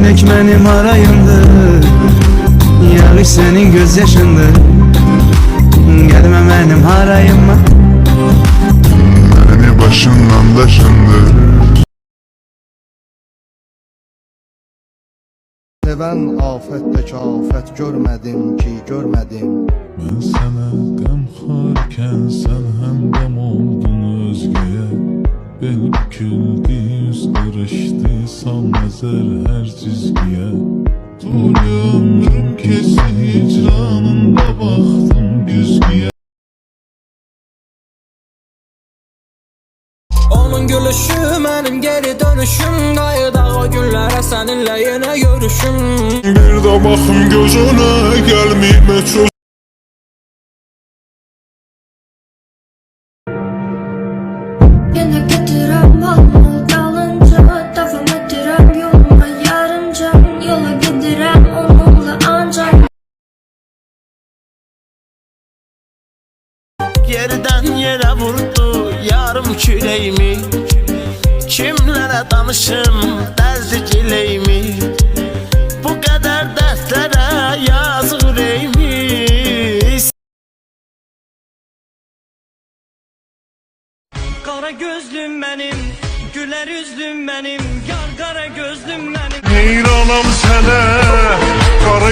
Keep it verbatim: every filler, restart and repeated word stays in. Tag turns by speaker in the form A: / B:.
A: Gülmek benim harayımdır, yağış senin gözyaşındır. Gelme benim harayıma,
B: beni başından daşındır.
C: Seven afette kafet görmedim ki görmedim.
D: Ben sana gamxarken sen hem gam oldun özgeye. Bel büküldü, yüz karıştı, sal nazar her çizgiye. Tuli ömrüm kesi hicranında baktım güzgüye.
E: Onun gülüşü benim geri dönüşüm, qayıdaq o günlərə səninlə yenə görüşüm.
D: Bir də baxım gözünə gəlməyib heç
F: Yine getirem alnı dalınca, devam ettirem yoluma yarınca. Yola gidirem onunla ancak.
G: Yerden yere vurdu yarım küreğimi. Kimlere danışım derdi cileyimi. Bu kadar dertlere yazık yüreğimi. Kara gözlüm benim, güler yüzlüm benim, yar kara gözlüm benim.
D: heyranam sənə, qara